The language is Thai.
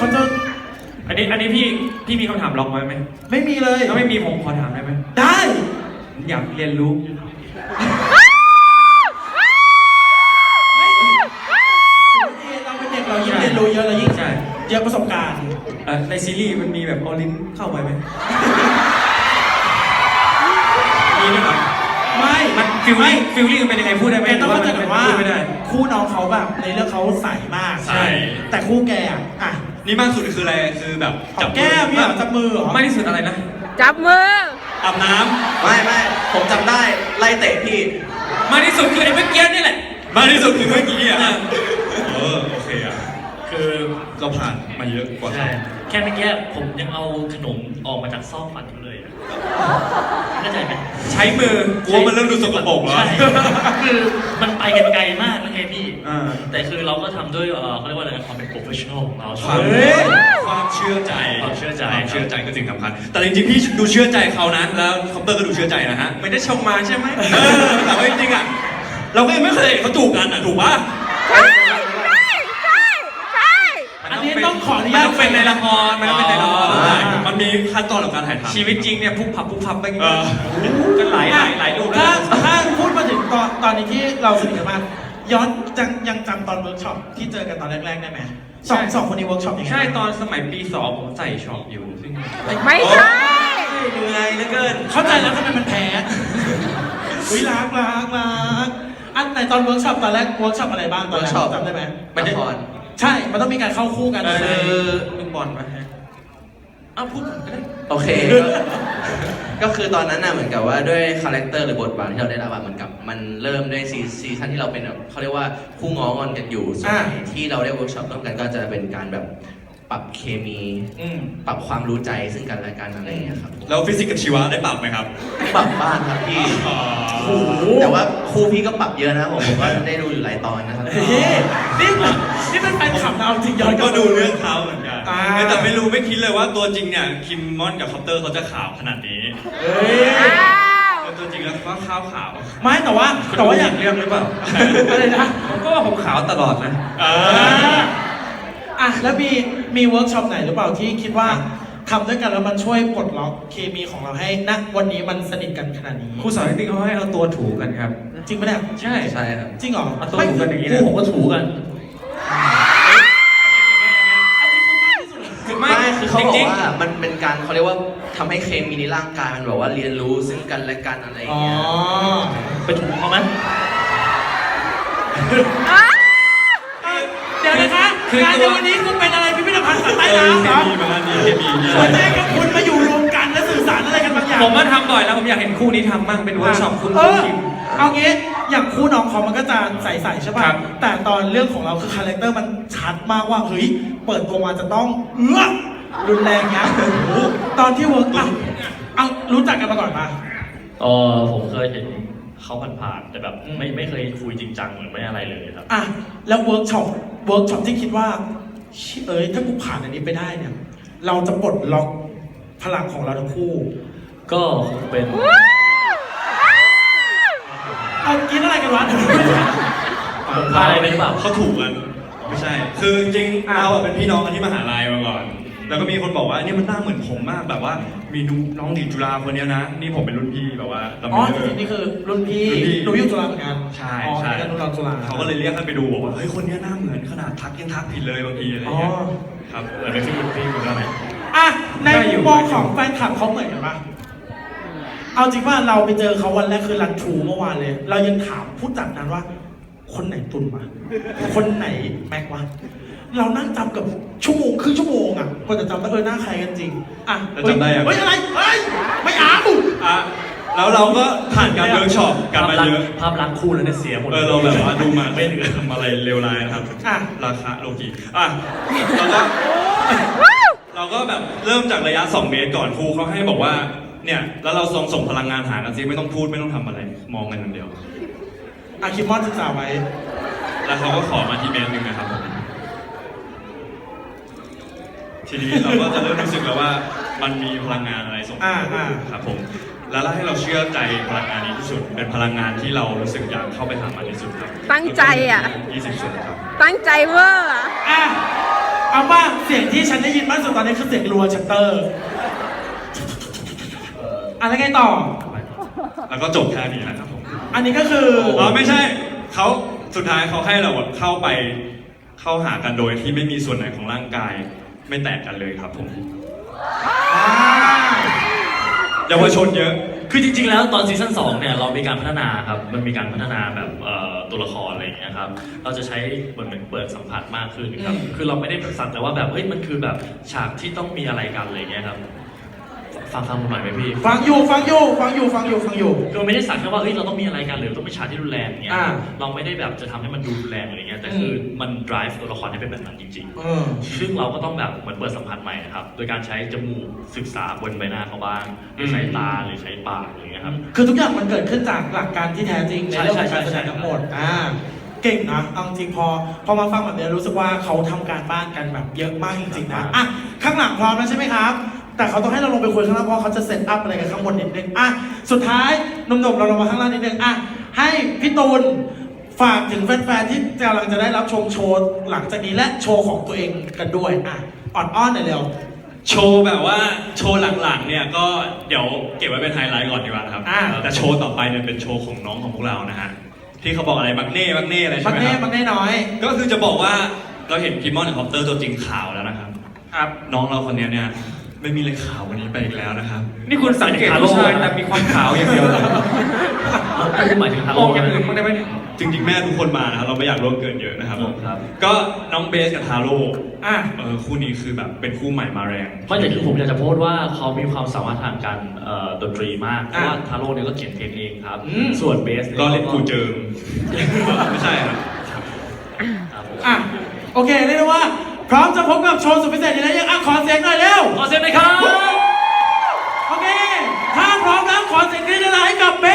เขาจะอันนี้พี่มีคำถามลองไว้ไหมไม่มีเลยถ้าไม่มีผมขอถามได้ไหมได้อยากเรียนรู้เราเป็นเด็กเรายิ่งเรียนรู้เยอะเรายิ่งใช่เยอะประสบการณ์ในซีรีส์มันมีแบบเอาลิ้นเข้าไปไหมมีด้วยเหรอไม่มันฟิลลิ่งมันเป็นยังไงพูดได้ไหมแกต้องเข้าใจก่อนว่าพูดไม่ได้คู่น้องเขาแบบในเรื่องเขาใสมากใช่แต่คู่แกอ่ะนี่มากสุดคืออะไรคือแบบจับแก้มเนี่ยจับมือเหรอมากที่สุดอะไรนะจับมืออาบน้ไม่ผมจำได้ไล่เตะพี่มากที่สุดคือไอ้เมื่อกี้นี่แหละำมากที่สุดคือเมื่อกี้อ่ะโอเคอ่ะคือเราผ่านมาเยอะกว่าใช่ แค่เมื่อกี้ผมยังเอาขนมออกมาจากซอกฟันเขาเลยอะเข้าใจไหมใช้มือกลัวมันเริ่มดูสกปรกแล้วใช่คือมันไปกันไกลมากนะไงพี่อ่าแต่คือเราก็ทำด้วยเขาเรียกว่าอะไรนะความเป็น professional ของเราความเชื่อใจความเชื่อใจความเชื่อใจคือสิ่งสำคัญแต่จริงๆพี่ดูเชื่อใจเขานะแล้วคอปเตอร์ก็ดูเชื่อใจนะฮะไม่ได้ชมมาใช่ไหมแต่ว่าจริงๆอ่ะเราก็ยังไม่เคยเห็นเขาจูบกันอ่ะถูกปะอันนี้ต้องขออนุมันญาตต้องเป็นในละครมันต้องเป็นในละครมันมีขั้นตอนของการถ่ายทำชีวิตจริงเนี่ยพุกพับไปอย่างเอเงี้ยอก็หลายรูปแล้วถ้าพูดมาถึงตอนนี้ที่เราสนิทกันมากย้อนยังจำตอนเวิร์กช็อปที่เจอกันตอนแรกๆได้ไหมสองคนนี้เวิร์กช็อปยังไงใช่ตอนสมัยปี 2ผมใส่ช็อปอยู่ซึ่งไม่ใช่เหนื่อยเหลือเกินเข้าใจแล้วทำไมมันแพ้วิรักอันไหนตอนเวิร์กช็อปตอนแรกเวิร์กช็อปอะไรบ้างตอนแรก workshop จำได้ไหมละครใช่มันต้องมีการเข้าคู่กันคือลูกบอลมาฮะพูดก่อนก็ได้โอเค ก็คือตอนนั้นน่ะเหมือนกับว่าด้วยคาแรคเตอร์หรือบทบาทที่เราได้รับอะเหมือนกับมันเริ่มด้วยซีซั่นที่เราเป็นแบบเขาเรียกว่าคู่ง้องอนกันอยู่ส่วนใหญ่ที่เราได้เวิร์กช็อปร่วมกันก็จะเป็นการแบบปรับเคมี ปรับความรู้ใจซึ่งกันและกันอะไรอย่างเงี้ยครับแล้วฟิสิกส์กับชีวะได้ปรับไหมครับปรับบ้างครับพี่ แต่ว่าครูพี่ก็ปรับเยอะนะผมก็ได้ดูอยู่หลายตอนนะครับเฮ้ยนี่เป็นแฟนคลับนะเอาจริงย้อนก็ดูเรื่องเขาเหมือนกันอ่าแต่ไม่คิดเลยว่าตัวจริงเนี่ยคิมมอนกับคอปเตอร์เขาจะขาวขนาดนี้เฮ้ยแต่ตัวจริงแล้วว่าขาวขาวไม่แต่ว่าอย่างเรื่องหรือเปล่าอะไรนะผมก็ว่าผมขาวตลอดนะแล้วมีเวิร์กช็อปไหนหรือเปล่าที่คิดว่าทำด้วยกันแล้วมันช่วยปลดล็อกเคมีของเราให้ณวันนี้มันสนิทกันขนาดนี้ครูสอนจริงๆเขาให้เอาตัวถูกันครับจริงปะเนี่ยใช่ใช่ครับจริงเหรอเอาตัวถูกันอย่างนี้คู่นะผมก็ถูกันอันนี้คือมากที่สุดคือไม่ไม่คือเขาบอจริกงว่ามันเป็นการเขาเรียกว่าทำให้เคมีในร่างกายมันแบบว่าเรียนรู้ซึ่งกันและกันอะไรอย่างอ๋อเงี้ยไปถูเขาไหมเดี๋ยวนะคะงานในวันนี้คุณเป็นอะไรพิพิธภัณฑ์สัตว์ใต้น้ำเหรอมีมาแล้วนี่มีหัวใจกับคุณมาอยู่รวมกันและสื่อสารอะไรกันบางอย่างผมมาทำบ่อยแล้วผมอยากเห็นคู่นี้ทำมั่งเป็นเวิร์กช็อปคุณเออคิมเอางี้อย่างคู่น้องเขามันก็จะใสๆใช่ป่ะครับแต่ตอนเรื่องของเราคือคาแรคเตอร์มันชัดมากว่าเฮ้ยเปิดตัวมาจะต้องรุนแรงยับตอนที่เวิร์กเอารู้จักกันมาก่อนปะผมเคยเห็นเขาผ่านๆแต่แบบไม่เคยคุยจริงจังหรือไม่อะไรเลยครับแล้วเวิร์กช็อปที่คิดว่าถ้ากูผ่านอันนี้ไปได้เนี่ย เราจะปลดล็อกพลังของเราทั้งคู่ก็คงเป็นเอากินอะไรกันวะผมพลาดอะไรไปหรือเปล่าเขาถูกกันไม่ใช่ คือจริงๆเราอะเป็นพี่น้องกันที่มหาลัยมาก่อน แล้วก็มีคนบอกว่านี่มันหน้าเหมือนผมมากแบบว่ามีน้องดีจุฬาคนเนี้ยนะนี่ผมเป็นรุ่นพี่แบบว่าเราอ๋อไม่จริงๆนี่คือรุ่นพี่รุ่นพี่หนูอยู่จุฬาเหมือนกันใช่อ๋อใช่เหมือนกันรุ่นเราจุฬาเขาก็เลยเรียกให้ไปดูบอกว่าเฮ้ยคนเนี้ยหน้าเหมือนขนาดทักยังทักผิดเลยบางทีอะไรอย่างเงี้ยอ๋อครับแต่ไม่ใช่รุ่นพี่คนนั้นไหนในมุมมองของแฟนคลับเขาเหมือนกันปะเอาจริงว่าเราไปเจอเขาวันแรกคือรันทรูเมื่อวานเลย เรายังถามผู้จัดนั้นว่า คนไหนตุนวะคนไหนแม็กวะเรานั่งจำกับชั่วโมงครึ่งชั่วโมงอ่ะกว่าจะจำได้หน้าใครกันจริงแล้วจำได้ยังเฮ้ยอะไรเฮ้ยไม่เอาแล้วเราก็ผ่านการเวิร์กช็อปกันมาเยอะภาพลักษณ์คู่แล้วเนี่ยเสียหมดเราแบบว่าดูมาไม่เหลือทำอะไรเลวร้ายนะครับ ราคาโลกีเราก็แบบเริ่มจากระยะ 2 เมตรก่อนครูเขาให้บอกว่าเนี่ยแล้วเราส่งพลังงานหากันซิไม่ต้องพูดไม่ต้องทำอะไรมองกันอย่างเดียวคิมมอนศึกษาไว้แล้วเขาก็ขอมาที่เมตรหนึ่งนะครับผมทีนี้เราก็จะเริ่มรู้สึกแล้วว่ามันมีพลังงานอะไรส่งครับผมแล้วให้เราเชื่อใจพลังงานนี้ที่สุดเป็นพลังงานที่เรารู้สึกอยากเข้าไปหามันที่สุดครับตั้งใจอ่ะ 20 ส่วนครับตั้งใจเวอร์อะเเอาว่าเสียงที่ฉันได้ยินมากสุดตอนนี้คือเสียงรัวชัตเตอร์อะไรไงต่อแล้วก็จบแค่นี้นะครับผมอันนี้ก็คืออ๋อไม่ใช่เขาสุดท้ายเขาให้เราแบบเข้าหากันโดยที่ไม่มีส่วนไหนของร่างกายไม่แตกกันเลยครับผมอ่าเยาวชนเยอะคือจริงๆ แล้วตอนซีซั่น2เนี่ยเรามีการพัฒนาครับ มันมีการพัฒนาแบบตัวละครอะไรอย่างเงี้ยครับ เราจะใช้เหมือนเปิดสัมผัสมากขึ้นครับ คือเราไม่ได้สักแต่ว่าแบบเฮ้ยมันคือแบบฉากที่ต้องมีอะไรกันอะไรอย่างเงี้ยครับ ฟังผมหน่อยไหมพี่ฟังอยู่คือไม่ได้สักแค่ว่าเฮ้ยเราต้องมีอะไรกันหรือต้องมีฉากที่รุนแรงอย่างเงี้ยอ่าเราไม่ได้แบบจะทำให้มันดูรุนแรงอะไรเงี้ย แต่คือมัน drive ตัวละครให้เป็นแบบนั้นจริงเออๆ ซึ่งเราก็ต้องแบบเหมือนเปิดสัมผัสใหม่ครับ โดยการใช้จมูกศึกษาบนใบหน้าเขาบ้างหรือใช้ตาหรือใช้ปากอะไรเงี้ยครับคือทุกอย่างมันเกิดขึ้นจากหลักการที่แท้จริงในใช่เรื่องของใช่การแสดงใช่ทั้งหมดเก่งนะเอาจริงพอมาฟังแบบนี้รู้สึกว่าเขาทำการบ้านกันแบบเยอะมากจริงๆนะอ่ะข้างหลังพร้อมแล้วใช่ไหมครับ แต่เขาต้องให้เราลงไปคุยข้างล่างเพราะเขาจะเซตอัพอะไรกันข้างบนนิดนึงอ่ะสุดท้ายหนุ่มๆเราลงมาข้างล่างนิดนึงอ่ะให้พี่ตูนฝากถึงแฟนๆที่กำลังจะได้รับชมโชว์หลังจากนี้และโชว์ของตัวเองกันด้วยอ่ะอ่อนๆหน่อยเร็วโชว์แบบว่าโชว์หลังๆเนี่ยก็เดี๋ยวเก็บไว้เป็นไฮไลท์ก่อนดีกว่าครับ แต่โชว์ต่อไปเนี่ยเป็นโชว์ของน้องของพวกเรานะฮะที่เขาบอกอะไรบักเน่อะไรใช่ไหมครับบักเน่น้อยก็คือจะบอกว่าเราเห็นพิมมอนคอปเตอร์ตัวจริงข่าวแล้วนะครับครับน้องเราคนนี้เนี่ยไม่มีอะไรขาววันนี้ไปอีกแล้วนะครับนี่คุณสังเกตผู้ชายแต่มีความขาวอย่างเดียวเหรอหมายถึงทางมองอย่างอื่นบ้างได้ไหมเนี่ยจริงๆแม่ทุกคนมานะครับเราไม่อยากร่วมเกินเยอะนะครับผมครับก็น้องเบสกับทาโร่อ่ะคู่นี้คือแบบเป็นคู่ใหม่มาแรงเพราะอย่างที่ผมอยากจะพูดว่าเขามีความสามารถทางการดนตรีมาก เพราะว่าทาโร่เนี่ยก็เขียนเพลงเองครับ ส่วนเบสยก็เล่นกูเจิม ไม่ใช่ครับครับผมอ่ะโอเคเรียกได้ว่า พร้อมจะพบกับโชว์สุดพิเศษนี้แล้วยังอ่ะขอเสียงหน่อยเร็วขอเสียงหน่อยครับโอเค ถ้าพร้อมแล้วขอเสียงกรี๊ดให้กับเบ